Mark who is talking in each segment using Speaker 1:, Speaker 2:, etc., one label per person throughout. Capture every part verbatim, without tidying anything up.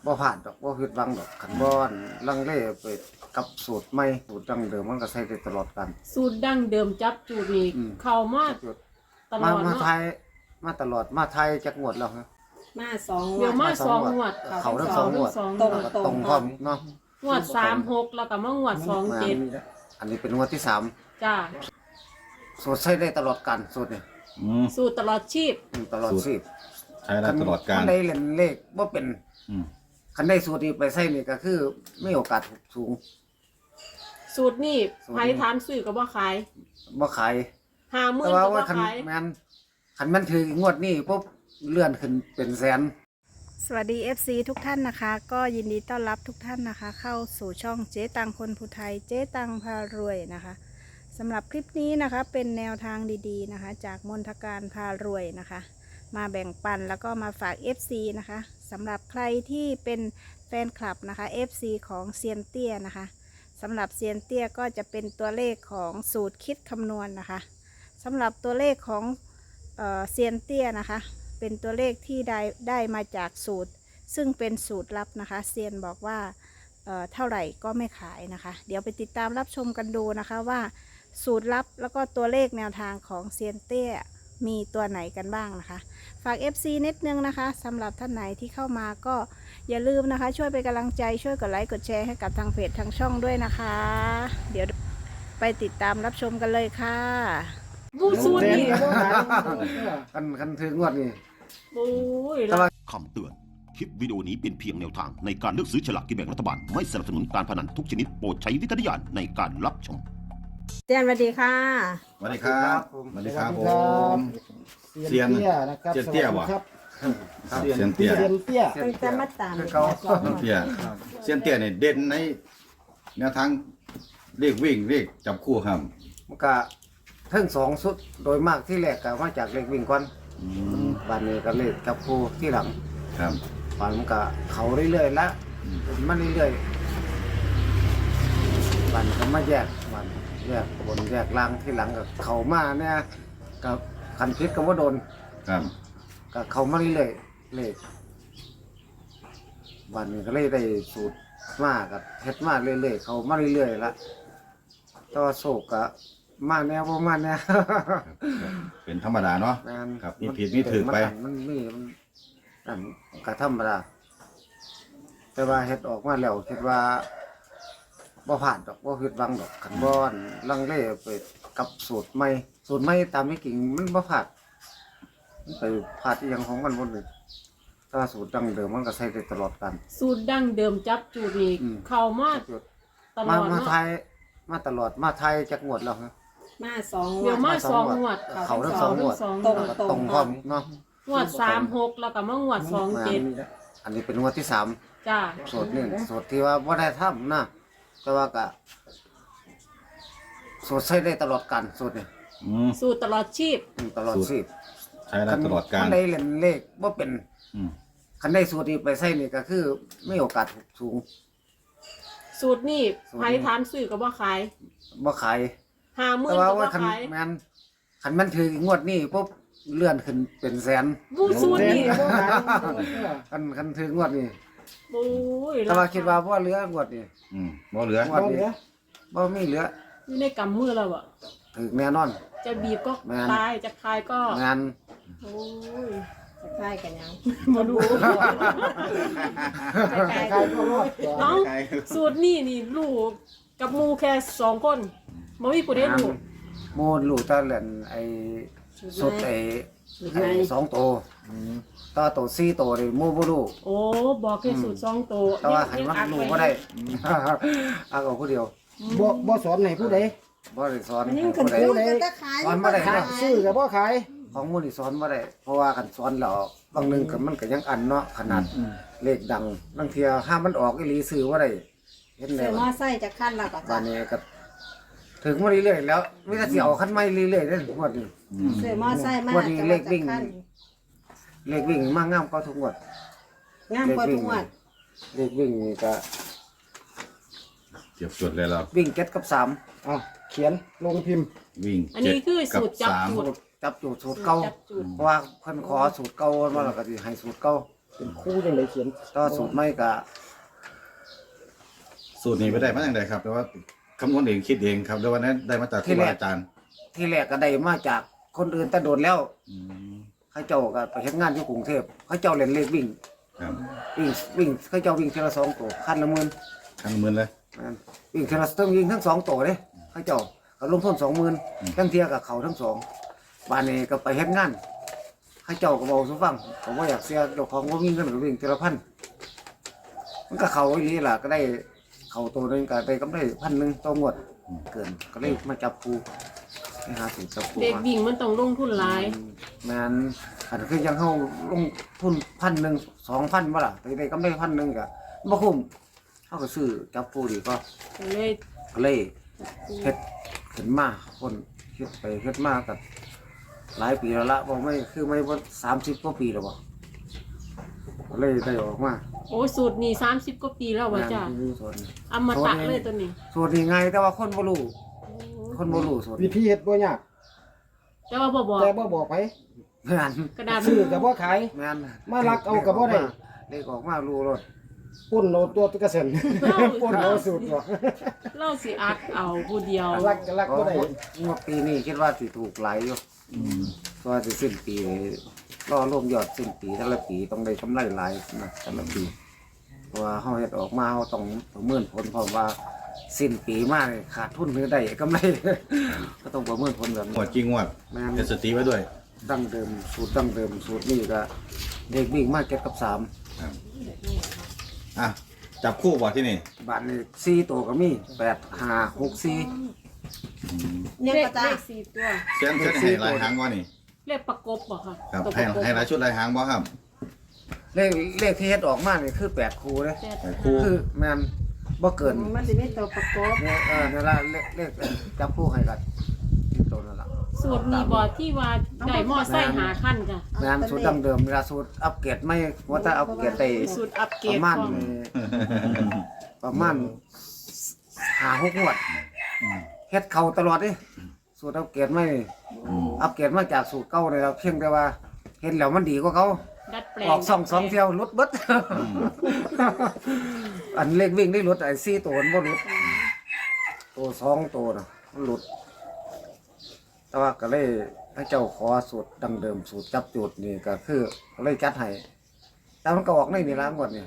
Speaker 1: บ่ผ่านดอกบ่ผิดหวังดอกขันบ่อนลังเลไปกับสูตรใหม่สูตรดั้งเดิมมันก็ใช้ได้ตลอดกัน
Speaker 2: สูตรดั้งเดิมจับจูดนี่เข้ามาตล
Speaker 1: มา
Speaker 2: อด
Speaker 1: มา
Speaker 2: เนาะ
Speaker 1: ไทยมาตลอดมาไทยจักงวดแล้วฮะ
Speaker 3: มาสอง
Speaker 2: เดี๋ยวมาสองงวด
Speaker 1: เขาทั้งสองงวด
Speaker 2: สอง
Speaker 3: ตรง
Speaker 1: แล้วก็ตรงพร้อมเนาะ
Speaker 2: งวดสามหกแล้วก็มางวดสองเจ็ด
Speaker 1: อันนี้เป็นงวดที่สาม
Speaker 2: จ้า
Speaker 1: สูตรใช้ได้ตลอดกันสูตรนี่
Speaker 4: อืม
Speaker 2: สูตรตลอดชีพ
Speaker 1: อืมตลอดชีพ
Speaker 4: ใช้ได้ตลอดการ
Speaker 1: คันได้เล่นเลขบ่เป็น
Speaker 4: อืม
Speaker 1: คันได้สูตรนี้ไปใช้นี่ก็คือมีโอกาสสูง
Speaker 2: สูตรนี่
Speaker 1: สูตรนี้
Speaker 2: ไผถามซื้อก็บ่ขาย
Speaker 1: บ่ขาย
Speaker 2: ห้าหมื่
Speaker 1: แต่
Speaker 2: น
Speaker 1: ว่า
Speaker 2: ก็บ่
Speaker 1: ว่าคัน
Speaker 2: ขาย
Speaker 1: แม่นคันมันถืองวดนี้ปุ๊บเลื่อนขึ้นเป็นแสน
Speaker 5: สวัสดี เอฟ ซี ทุกท่านนะคะ ก็ยินดีต้อนรับทุกท่านนะคะ เข้าสู่ช่องเจ๊ตังคนภูไทยเจ๊ตังพารวยนะคะสำหรับคลิปนี้นะคะเป็นแนวทางดีๆนะคะ จากมนทการพารวยนะคะ มาแบ่งปันแล้วก็มาฝาก เอฟ ซี นะคะสำหรับใครที่เป็นแฟนคลับนะคะ เอฟ ซี ของเซียนเตี้ยนะคะสำหรับเซียนเตี้ยก็จะเป็นตัวเลขของสูตรคิดคำนวณนะคะสำหรับตัวเลขของเอ่อเซียนเตี้ยนะคะเป็นตัวเลขที่ได้ได้มาจากสูตรซึ่งเป็นสูตรลับนะคะเซียนบอกว่าเอ่อเท่าไหร่ก็ไม่ขายนะคะเดี๋ยวไปติดตามรับชมกันดูนะคะว่าสูตรลับแล้วก็ตัวเลขแนวทางของเซียนเตี้ยมีตัวไหนกันบ้างนะคะฝาก เอฟ ซี นิดนึงนะคะสำหรับท่านไหนที่เข้ามาก็อย่าลืมนะคะช่วยเป็นกำลังใจช่วยกดไลค์กดแชร์ให้กับทางเพจทางช่องด้วยนะคะเดี๋ยวไปติดตามรับชมกันเลยค่ะ
Speaker 2: บูสูตรนี่
Speaker 1: คันคันถืองวดนี้
Speaker 2: โอ้ย
Speaker 1: แต่ว่า
Speaker 6: คำเตือน คลิปวิดีโอนี้เป็นเพียงแนวทางในการเลือกซื้อฉลากกินแบ่งรัฐบาล ไม่สนับสนุนการพนันทุกชนิดโปรดใช้วิจารณญาณในการรับชม
Speaker 3: เตียนสวัสดีค่ะ
Speaker 4: สวัสดีครับสวัสดีครับผม
Speaker 7: เซียนเตี้ยนะครับ
Speaker 4: เซียนเตี้ย
Speaker 7: สวัส
Speaker 4: บ่
Speaker 7: ดีครับ
Speaker 4: เซียนเตี้ย
Speaker 7: เซียนเตี้ย
Speaker 3: เป็นจะมาตาม
Speaker 1: คือเขา
Speaker 4: เซียนเตี้ยเซียนเตี้ยเนี่ยเด่นในแนวทางเรียกวิ่งเรียกจับคู่ครับ
Speaker 1: มันก็ทั้งสองสุดโดยมากที่แรกก็มาจากเลขวิ่งก่อน
Speaker 4: อืม
Speaker 1: บัดนี้ก็เลขจับคู่ที่หลัง
Speaker 4: ครับ
Speaker 1: ฝันมันก็เขาเรื่อยๆแล้วมันเรื่อยๆบัดก็มาแยกบัดแยกบนแยกล่างที่หลังก็เขามาเนี่ยกับคันพิษก็ว่าโดน
Speaker 4: ครับ
Speaker 1: ก็เขามาเรื่อยๆเลขบัดนี้ก็เลยได้สูตรมากับเฮ็ดมาเรื่อยๆเขามาเรื่อยๆละต่อโศกก็มาแนวบ่มาแนว
Speaker 4: เป็นธรรมดาเนาะ
Speaker 1: แม่น
Speaker 4: ครับมีผิดมีถูกไป
Speaker 1: มันมันมีมันนั่นก็ธรรมดาแต่ว่าเฮ็ดออกมาแล้วคิดว่าบ่ผ่านดอกบ่ผิดหวังดอกคันบ่อนลังเลไปกับสูตรใหม่สูตรใหม่ตามที่จริงมันบ่ผ่านมันไปผ่านอีหยังของมันบ่เลยถ้าสูตรดั้งเดิมมันก็ใช้ได้ตลอดกัน
Speaker 2: สูตรดั้งเดิมจับจูดนี่
Speaker 1: อืม
Speaker 2: เข้ามาตล
Speaker 1: มา
Speaker 2: อด
Speaker 1: มา
Speaker 2: เนาะ
Speaker 1: ไทยมาตลอดมาไทยจักงวดแล้วฮะ
Speaker 3: มาสอง
Speaker 2: เดี๋ยวมาสองงวด
Speaker 1: เขาทั้งสองงวด
Speaker 2: สอง
Speaker 3: ตรง
Speaker 1: แล้วก็ตรงพร้อมเนาะ
Speaker 2: งวดสามหกแล้วก็มางวดสองเจ็ด
Speaker 1: อันนี้เป็นงวดที่สาม
Speaker 2: จ้า
Speaker 1: สูตรนี่สูตรที่ว่าบ่ได้ทำนะแต่ว่าก็สูตรใช้ได้ตลอดกันสูตรนี่
Speaker 4: อืม
Speaker 2: สูตรตลอดชีพ
Speaker 1: อืมตลอดชีพ
Speaker 4: ใช้ได้ตลอดการ
Speaker 1: คันได้เล่นเลขบ่เป็น
Speaker 4: อืม
Speaker 1: คันได้สูตรนี้ไปใช้นี่ก็คือมีโอกาสสูง
Speaker 2: สูตรนี่
Speaker 1: สูตรนี้
Speaker 2: ไผถามซื้อก็บ่ขาย
Speaker 1: บ่ขาย
Speaker 2: ห้าหมื่
Speaker 1: แต่
Speaker 2: น
Speaker 1: ว่า
Speaker 2: ก็บ่
Speaker 1: ว่าคัน
Speaker 2: ขาย
Speaker 1: แม่นคันมันถืองวดนี้ปุ๊บเลื่อนขึ้นเป็นแสน
Speaker 2: บูสูตร
Speaker 7: เซียน
Speaker 2: นี่
Speaker 7: เตี้ย
Speaker 1: คันคันถืองวดนี้
Speaker 2: โอ้ย
Speaker 1: แต่ว่าคิดว่าบ่เหลืองวดนี้
Speaker 4: อืมบ่เหลือ
Speaker 1: งวดนี้บ่มีเหลือ
Speaker 2: อยู่ในกำมือเราอะ
Speaker 1: ถึงแน่นอน
Speaker 2: จะบีบก็
Speaker 1: แม่น
Speaker 2: ตายจะคายก็
Speaker 1: งาน
Speaker 2: โอ้ย
Speaker 3: จะคล้ายกันยัง
Speaker 2: มาดู
Speaker 7: ใครก็รอดก่อน
Speaker 2: เอ้าสูตรนี่นี่ลูกกับหมูแค่สองคนบ่มีผู้ใดลูก
Speaker 1: โมนลูกตาเล่นไอ้สุดไอ้ไอ้สองโตวตาโตสี่โตวนี่โมบ่รู้
Speaker 2: โอ้บอกแค่สูตรสองตัว
Speaker 1: แต่ว่าให้มัน
Speaker 2: อัด
Speaker 1: รู้
Speaker 2: ว้
Speaker 1: บ่ได้ อักเอาผู้เดียว
Speaker 7: บ่บ่สอนให้ผู้ใด
Speaker 1: บ่ได้สอน
Speaker 3: อันนี้
Speaker 1: ให้
Speaker 3: มัน
Speaker 1: ผู้ใด
Speaker 3: คือจะขาย
Speaker 1: สอนบ่ได้
Speaker 7: ขายซื้อกับบ่ขาย
Speaker 1: ของหมูนี่สอนบ่ได้เพราะว่าคันสอนแล้วบางหนึงก็มันก็ยังอันเนาะขนาดเลขดังบางเทียห้ามมันออกอีหลีซื้อบ่ได้เห็นแล้
Speaker 3: เสือ
Speaker 1: ว
Speaker 3: มอไซค์จะขั้นแล้วก็
Speaker 1: บ้า
Speaker 3: จะ
Speaker 1: นนี้ก็ถึงมาเรื่อยๆแล้วมีแต่สิเอาคันใหม่เรื่อยๆเด้องวดนี้
Speaker 3: เสือมอไซค์มา
Speaker 1: วันนี้
Speaker 3: จะ
Speaker 1: เล
Speaker 3: ว่า
Speaker 1: ข
Speaker 3: จะ
Speaker 1: วิ่ง
Speaker 3: ขั้น
Speaker 1: เลขวิ่งมางามกว่าทุกงวด
Speaker 3: งามกว่าทุกงวด
Speaker 1: เลขวิ่งนี่ก็
Speaker 4: เก็บจดเลยเรา
Speaker 1: วิ่งเจ็ดกับสาม
Speaker 7: เอาเขียนลงพิมพ์
Speaker 4: วิ่ง
Speaker 2: อันนี้คือสูตรจับ
Speaker 4: เจ็ดกับสาม
Speaker 2: จุด
Speaker 1: จับจูดสูตรเก่า
Speaker 2: จับจุด
Speaker 1: เพราะว่าเพิ่นขอสูตรเก่ามาแล้วก็สิให้สูตรเก่า
Speaker 7: เป็นคู่จังไดเขียน
Speaker 1: ต่อสูตรไม่ก็
Speaker 4: สูตรนี้ไปได้มาอย่างไรครับแต่ว่าคำนวณเองคิดเองครับแต่ว่านั้นได้มาจากครูบาอาจารย์
Speaker 1: ที่แรกก็ได้มาจากคนอื่นแต่โดนแล้ว
Speaker 4: อืม
Speaker 1: เขาเจ้าก็ไปเฮ็ดงานอยู่กรุงเทพเขาเจ้าเล่นเลขวิ่ง
Speaker 4: ครับ
Speaker 1: วิ่งวิ่งเขาเจ้าวิ่งทีละสองตัวคันละหมื่น
Speaker 4: ทั้งหมื่นเลย
Speaker 1: นั่นวิ่งทีละต้องวิ่งทั้งสองตัวเลยเขาเจ้าก็ลงทุนสองหมื่นทั้งเทียกับเขาทั้งสองบ้านนี้ก็ไปเฮ็ดงานเขาเจ้าก็บอกสุฟังผมว่าอยากเสียเจ้าของว่าวิ่งกันก็วิ่งทีละพันมันก็เขาอีหลีล่ะก็ได้เขาตัวหนึงก็ได้กำไรพันหนึ่งต่องวดเกินก็เลยมาจับครูไปหาสูตรจับครู
Speaker 2: เด็ก
Speaker 1: มา
Speaker 2: วิ่งมันต้องลงทุนหลาย
Speaker 1: แมนอันคือยังเข้าลงทุนพันหนึ่งสองพันบ่ล่ะแต่ได้กำไรพันหนึ่งก็บ่คุ้มเขาก็ซื้อจับครูดีก็
Speaker 2: ก็เลย
Speaker 1: ก็เลยเฮ็ดขึ้นมาคนเฮ็ดไปเฮ็ดมากับหลายปีแล้วละบ่ไม่คือไม่ว่าสามสิบกว่าปีแล้วบ่ก็เลยได้ออกมา
Speaker 2: โอ้สูตรนี่สามสิบกว่าปีแล้วว่ะจ้ะ
Speaker 1: แม่นคือส่วน
Speaker 2: อมตะเลยตัวนี้
Speaker 1: ส่วนนี้ไงแต่ว่าคนบ่รู้คนบ่รู้ส่วน
Speaker 7: วิธีเฮ็ดบ่ยาก
Speaker 2: แต่ว่าบ่บอก
Speaker 7: แต่บ่บอกไป
Speaker 1: แม่น
Speaker 2: กระดาษ
Speaker 7: ซื้อก็บ่ขาย
Speaker 1: แม่น
Speaker 7: มาลักเอาก็บ่ได้
Speaker 1: เลขออกมารู้รถ
Speaker 7: ปุ้นเอาตัวกระเซ็นปุ้นเอาสูตรบ่
Speaker 2: เล่าสิอักเอาผู้เดียว
Speaker 7: ลักก็ลักบ่ได้
Speaker 1: งวดปีนี้คิดว่าสิถูกหลายอยู่
Speaker 4: อืม
Speaker 1: เพราะว่าสิสิ้นปีรอรวมยอดสิ้นปีแต่ละปีต้องได้กำไรหลายนะแต่ละปีเพราะว่าเฮาเฮ็ดออกมาเฮาต้องประเมินผลเพราะว่าสิ้นปีมานี่ขาดทุนหรือได้กำไร ก็ต้องประเมินผลแบบ
Speaker 4: ง
Speaker 1: นี้
Speaker 4: วดจริงงวด
Speaker 1: แม่น
Speaker 4: เฮ็ดสติไว้ด้วย
Speaker 1: ดั้งเดิมสูตรดั้งเดิมสูตรนี้ก็เด็กวิ่งมาเก็ดกับสาม
Speaker 4: ครับอ่ะจับคู่บ่ที่นี่
Speaker 1: บาทนี้สี่ตัวก็มีแปดห้าหกสี่
Speaker 3: เนี่ย
Speaker 2: เล
Speaker 3: ก็
Speaker 2: ข
Speaker 3: จ้า
Speaker 2: เลขสี่ตัว
Speaker 4: เส้นเส้นให้หลายหางบ่นี่
Speaker 2: เลขประกบบ่ค่ะ
Speaker 4: ครับ
Speaker 2: ตัวป
Speaker 4: ให้
Speaker 2: ระกบ
Speaker 4: ให้หลายชุดหลายหางบ่ครับ
Speaker 1: เลขเลขที่เฮ็ดออกมานี่คือแปดคูเลย
Speaker 2: แปด
Speaker 4: ให้คู่
Speaker 1: คือแม่นบ่เกิน
Speaker 3: มันสิมีตัวประกอบ
Speaker 1: เนี่ยเออนั่นละเลขเลขจับคู่ให้กันที่ตัวนั่นละ
Speaker 2: สูตรมีบ่ที่ว่าได้มอไซค์หาขั้นจ้ะ
Speaker 1: แม่นสูตรดั้งเดิมเวลาสูตรอัปเกรดไม่ว่าถ้าอัปเกรดได้
Speaker 2: สูตรอัปเกร
Speaker 1: ป
Speaker 2: ด
Speaker 1: ระมาณ
Speaker 2: ของ
Speaker 1: ประมาณห้าหกงวดเฮ็ดเข้าตลอดเด้สูตรอัปเกรดไม่
Speaker 4: อืม
Speaker 1: อัปเกรดมาจากสูตรเก่าเลยครับเพียงแต่ว่าเห็นแล้วมันดีกว่าเขา
Speaker 2: ดัดแปลง
Speaker 1: ออกสองสองเที่ยวลดเบิด อันเล็กวิ่งได้ลดไอ้สี่ตัวมันบ่ลดตัวสองตัวน่ะมันลดแต่ว่าก็เลยให้เจ้าขอสูตรดังเดิมสูตรจับจุดนี่ก็คือก็เลยจัดให้แต่มันก็ออกในนี่ล้างหมดนี่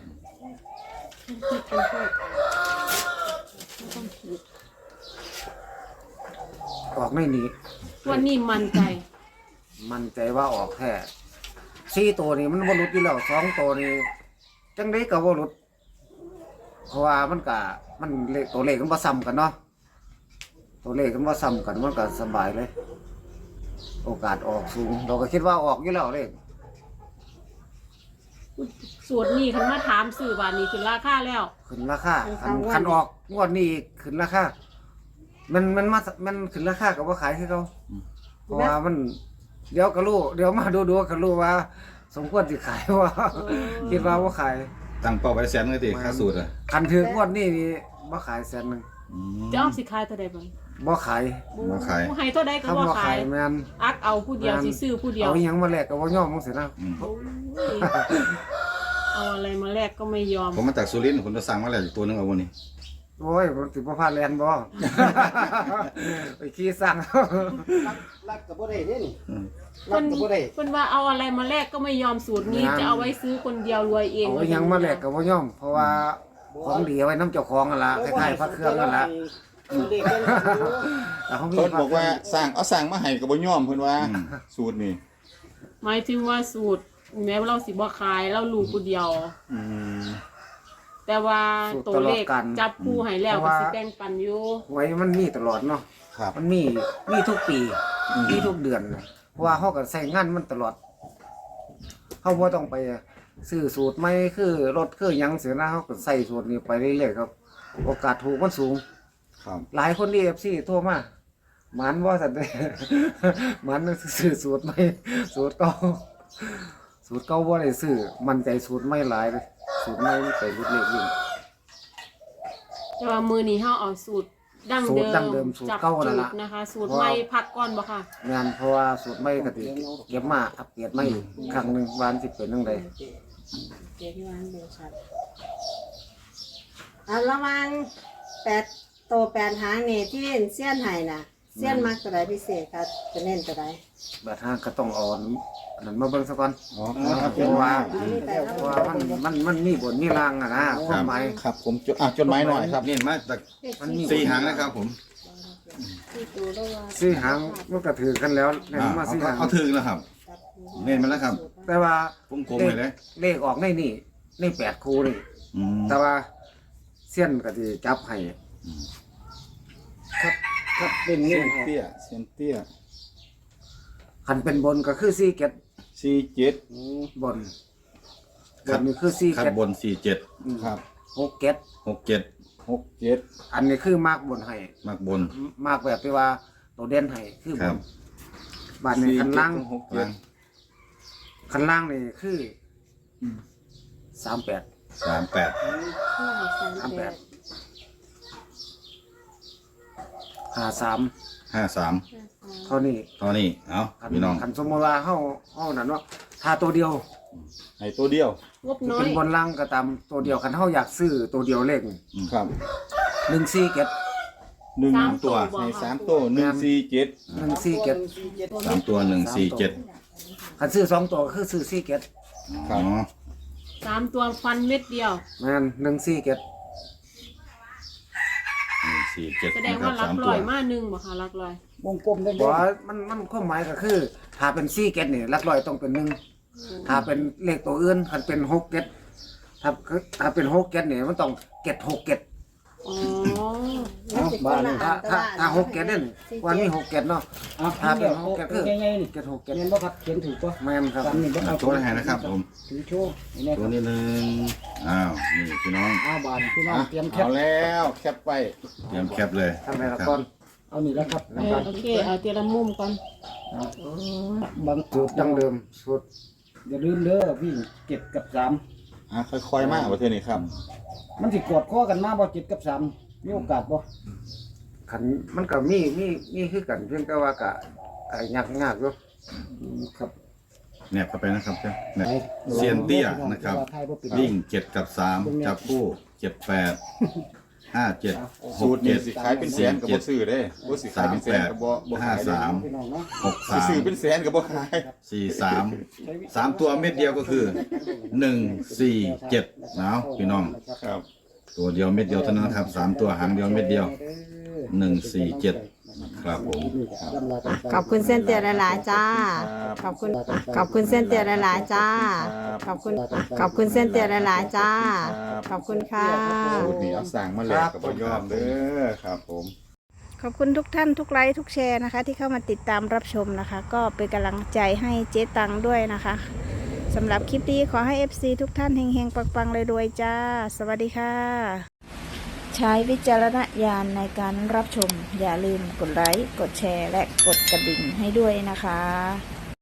Speaker 1: ออกในนี้
Speaker 2: วันนี้มั่นใจ
Speaker 1: มันใจว่าออกแค่สี่ตัวนี่มันบ่หลุดอยู่แล้วสองตัวนี่จังไดก็บ่หลุดเพราะว่ามันก็มันเลขตัวเลขมันบ่ซ้ำกันเนาะตัวเลขมันบ่ซ้ำกันมันก็สบายเลย โอกาสออกสูง เราก็คิดว่าออกอยู่แล้วเลข
Speaker 2: สูตรนี้คันมาถามซื้อบาทนี้คือราคาแล้ว
Speaker 1: ขึ้นราคาคันคันออกงวดนี้อีกขึ้นราคามันมันมามันขึ้นราคาก็บ่ขายคือเขาเพราะว่ามันเดี๋ยวก็รู้เดี๋ยวมาดูๆก็รู้ว่า สมควรสิขายว่า คิดว่าบ่ขาย
Speaker 4: ตั้งเป้าไว้แสนเลยติค่าสูตรอ่ะ
Speaker 1: คันถืองวดนี้นี่บ่ขายแสนหนึง
Speaker 4: อืม
Speaker 2: จะเอาสิขายเท่าใดบ่
Speaker 1: บ่ขาย
Speaker 4: บ่ขาย
Speaker 2: ให้เท่าใดก็
Speaker 1: คำ
Speaker 2: บ่
Speaker 1: ว่า
Speaker 2: ขา
Speaker 1: ขาย ยแม่น
Speaker 2: อักเอาผู้เดียวสิซื้อผู้เดียว
Speaker 1: เอาอิหยังมาแลกก็บ่ยอมจังซี่นะ
Speaker 4: อืม
Speaker 2: โอ้ยเอาอะไรมาแลกก็ไม่ยอม
Speaker 4: ผมมาจากสุรินทร์ผมจะสั่งมาแล้วอีกตัวหนึงเอาวันนี้
Speaker 1: โอ้ยมันสิบ่พลาดแลนบ่ ไปขี่สั่ง
Speaker 7: ลักลักก็บ่ได้เด้นี่
Speaker 4: อืม
Speaker 7: ลั
Speaker 2: เพิ่
Speaker 7: ก
Speaker 2: น
Speaker 7: ก็บ่ได้
Speaker 2: เพิ่นว่าเอาอะไรมาแลกก็ไม่ยอมสูตรนี้
Speaker 1: งาน
Speaker 2: จะเอาไว้ซื้อคนเดียวรวยเอง
Speaker 1: เอาอิหยังมาแลกก็บ่ยอม เพราะว่าของดีเอาไว้นํเจ้าของนั่นล่ะคล้ายๆพระเครื่องนั่นล่ะ
Speaker 7: เด็กกันอยู่
Speaker 1: แต่เขามี
Speaker 8: เพิ่นบอกว่าสร้างเอาสร้างมาให้ก็บ่ยอมเพิ่นว่า
Speaker 4: อืม
Speaker 8: สูตรนี่
Speaker 2: หมายถึงว่าสูตรแม้ว่าเราสิบ่ขายเรารู้ผู้เดียว
Speaker 8: อืม
Speaker 2: แต่ว่าตัวเลขจับคู่ให้แล้วก็สิแบ่งปันอยู่
Speaker 1: หวยมันมีตลอดเนาะ
Speaker 8: ครับ
Speaker 1: มันมีมีทุกปีมีทุกเดือนนะเพราะว่าเขาก็ใส่งานมันตลอดเขาบ่ต้องไปซื้อสูตรใหม่คือรถคือหยังเสียนะเขาก็ใส่สูตรนี้ไปเรื่อยๆครับ โอกาสถูกมันสูง
Speaker 8: ครับ
Speaker 1: หลายคนดีเอฟซีโทรมาหมันว่าสันเด หมันซื้อสูตรใหม่สูตรเก่าสูตรเก่าบ่ได้ซื้อมันใจสูตรใหม่หลายเลยสูตรใหม่มันไปรุดเล็กวิ่ง
Speaker 2: แต่ว่ามือนี้เฮาเอาสูตรดั้ง
Speaker 1: สู
Speaker 2: เดิ
Speaker 1: ตรดั้งเดิม
Speaker 2: ม
Speaker 1: สูตร
Speaker 2: จับ
Speaker 1: เก่า
Speaker 2: จุ
Speaker 1: นั่น
Speaker 2: ด
Speaker 1: ล่ะ
Speaker 2: นะคะ สูตรใหม่พักก่อนบ่ค่ะ
Speaker 1: งานเพราะว่าสูตรใหม่ก็ติเก็บมาอัปเกรดใหม่อีกครั้งหนึงวาอันสิเป็นจังได
Speaker 3: เดี๋ยวที่วางเดี๋ยวชัดเอาระวังแปดโตแปดหางนี่ที่เสี้ยนไห้น่ะเสี้ยนมักตัวใดพิเศษครับจะเน้นตัวใด
Speaker 1: แบบห้างก็ต้องเอ่อนอันนั้นมาเบิ่งซะก่อน
Speaker 8: อ๋อ
Speaker 1: เพราะว่า
Speaker 3: เอานี่ไป
Speaker 1: เพราะว่ามันมันมันมีบนมีล่างอะนะความหมาย
Speaker 8: ครับผมจดอ่ะจดหมายหน่อยครับ
Speaker 4: นี่มาจาก
Speaker 1: มันมี
Speaker 4: สี่หางนะครับผม
Speaker 3: ที่ตัวแล้วว่า
Speaker 1: สี่หางมันก็ถือกันแล้วเนี่ย
Speaker 4: อ่า
Speaker 1: มา
Speaker 4: เอา
Speaker 1: สี่
Speaker 4: ก็
Speaker 1: หาง
Speaker 4: เอาถึงแล้วครับ เน้นมาแล้วครับ
Speaker 1: แต่ว่า
Speaker 4: วงกลมเลยเลย
Speaker 1: เลขออกในนี่ในแปดคู่นี่
Speaker 4: อืม
Speaker 1: แต่ว่าเส้ยนก็สิจับให้
Speaker 7: ครับครับเป็น
Speaker 8: เซี
Speaker 7: นี่
Speaker 8: ยนเตี้ยเซียนเตี้ย
Speaker 1: คันเป็นบนก็คือสี่เก็ด
Speaker 8: สี่เจ็ด
Speaker 1: บนบนนี่คือสี่
Speaker 4: ขัด
Speaker 1: เก็ด
Speaker 4: บนสี่เจ็ด
Speaker 8: ครับ
Speaker 1: หกเก็ด
Speaker 4: หกเจ็ด
Speaker 8: หกเจ็ด
Speaker 1: อันนี้คือมากบนให้
Speaker 4: มากบน
Speaker 1: มากแบบที่ว่าตัวเด่นให้คือบ
Speaker 4: ครั
Speaker 1: น
Speaker 4: บ
Speaker 1: บานนี้คันล่าง
Speaker 8: หกเจ็ด
Speaker 1: คันล่างนี่คือสามแปด
Speaker 4: สามแปด
Speaker 1: สามแปดห้าสาม
Speaker 4: ห้าสาม
Speaker 1: เท่านี้
Speaker 4: ตอนนี้เอา
Speaker 1: คัน
Speaker 4: พี่น้อง
Speaker 1: คันสมมติว่าเฮาเฮานั่นว่าถ้าตัวเดียว
Speaker 8: ให้ตัวเดียว
Speaker 2: งบน้อ
Speaker 1: เป็
Speaker 2: ย
Speaker 1: นบนล่างก็ตามตัวเดียวคันเฮาอยากซื้อตัวเดียวเลข
Speaker 8: ครับ
Speaker 1: หนึ่งสี่เก็ด
Speaker 8: หนึ่ง
Speaker 2: สามตั
Speaker 8: ตัว
Speaker 2: ว
Speaker 8: ให้สามตัวหนึ่งสี่เจ็ด
Speaker 1: หนึ่งสี่เก็ด
Speaker 4: สามตัวหนึ่งสี่เจ็ด
Speaker 1: คันซื้อสองตัวก็คือซื้อสี่เก็ด
Speaker 8: ครั
Speaker 4: อ๋
Speaker 8: บ
Speaker 4: อ
Speaker 2: สามตัวฟันเม็ดเดียว
Speaker 1: แม่นหนึ่งสี่เก็ด
Speaker 4: หนึ่งสี่เจ็ด
Speaker 2: แสดง
Speaker 4: นะครั
Speaker 2: ว่า
Speaker 4: บ
Speaker 2: รั
Speaker 4: สาก ม
Speaker 2: ล
Speaker 4: ตัว
Speaker 2: อยมาหนึ่งบ่ค่ะรักลอย
Speaker 7: วงกลมได้
Speaker 1: บอกว่ามันมันความหมายก็คือ ถ้าเป็นสี่เก็ดนี่หลักร้อยต้องเป็นหนึ่งถ้าเป็นเลขตัวอื่นคันเป็นหกเก็ดถ้าถ้าเป็นหกเก็ดนี่มันต้องเก็ดหกเก็ด
Speaker 2: อ๋อ
Speaker 3: มันสิคนละ
Speaker 1: ถ้า
Speaker 3: อันแต่
Speaker 1: ถ้า
Speaker 3: ว่า
Speaker 1: ถ้าหกเก็ดนี่วันนี้หกเก็ดเนาะ
Speaker 7: อ่ะ
Speaker 1: ถ้าเป็นหกเก็ดคือ
Speaker 7: ง่ายๆนี่
Speaker 1: เก็ดหกเก็ด
Speaker 7: เรียนบ่ครับเขียนถูกป่ะ
Speaker 1: แม่นครับ
Speaker 7: จำนี่บ่
Speaker 4: เอา
Speaker 7: เอา
Speaker 4: โชว์ให้นะครับผม
Speaker 7: ถือโชว์นี่นะค
Speaker 4: ตัว
Speaker 7: รับ
Speaker 4: นี้หนึ่งอ้าวนี่พี่น้อง
Speaker 7: เอาบานพี่น้อง
Speaker 8: อ่ะ
Speaker 7: เตรียมแค
Speaker 8: เอา
Speaker 7: ป
Speaker 8: แล้วแคปไว้
Speaker 4: เตรียมแคปเลย
Speaker 1: ทำไมละก่อน
Speaker 7: เอานี่แล้วครับ
Speaker 2: เออโอเคเอาเตียละมุมก่อน
Speaker 7: บาง
Speaker 1: สู
Speaker 7: จุ
Speaker 1: ต
Speaker 7: ด
Speaker 1: รดั้งเดิมสูตร
Speaker 7: อย่าลืมเด้อวิ่งเจ็ดกับสาม
Speaker 8: อ่ะค่อยๆมาประเทศนี้ครับ
Speaker 7: มันสิกอดข้อกันมาบ่เจ็ดกับสามมีโอกาสบ่
Speaker 1: ขันมันก็มีมีมีคือกันเพียงแต่ว่ากะกะยากยากอยู่
Speaker 7: อืมครับ
Speaker 4: แนบเข้าไปนะครับเจ้าแนบเซียนเตี้ยนะครับ วิ่งเจ็ดกับสามจับคู่เจ็ดแปดห้าเจ็ดห
Speaker 8: สู
Speaker 4: ก
Speaker 8: ตรนี่
Speaker 4: เจ็ด
Speaker 8: สิขายเป็นแสนกับบ่ซื้อเด้บ่สิขายเป็นแสนกับบ่บ่
Speaker 4: ห้า
Speaker 8: ขาย
Speaker 4: สาม
Speaker 7: พี่น้องเนาะ
Speaker 4: หก
Speaker 8: สิ
Speaker 4: สาม
Speaker 8: ซื้อเป็นแสนกับบ่ขาย
Speaker 4: สี่สามสามตัวเม็ดเดียวก็คือหนึ่งสี่เจ็ดเอาพี่น้อง
Speaker 8: ครับ
Speaker 4: ตัวเดียวเม็ดเดียวเท่านั้นครับสามตัวหางเดียวเม็ดเดียวหนึ่งสี่เจ็ดครับผม
Speaker 5: ขอบคุณเส้นเตียหลายๆจ้า ขอบคุณขอบคุณเส้นเตียหลายๆจ้า ขอบคุณขอบคุณเส้นเตียหลายๆจ้า ขอบคุณค่ะ
Speaker 8: สูตรนี้เอาสั่งมาแล้วกับบ่ยอมเด้อครับผม
Speaker 5: ขอบคุณทุกท่านทุกไลค์ทุกแชร์นะคะ ที่เข้ามาติดตามรับชมนะคะ ก็เป็นกำลังใจให้เจ๊ตังด้วยนะคะสำหรับคลิปนี้ขอให้ เอฟ ซี ทุกท่านเฮงๆปังๆรวยๆจ้า สวัสดีค่ะ ใช้วิจารณญาณในการรับชม อย่าลืมกดไลค์กดแชร์และกดกระดิ่งให้ด้วยนะคะ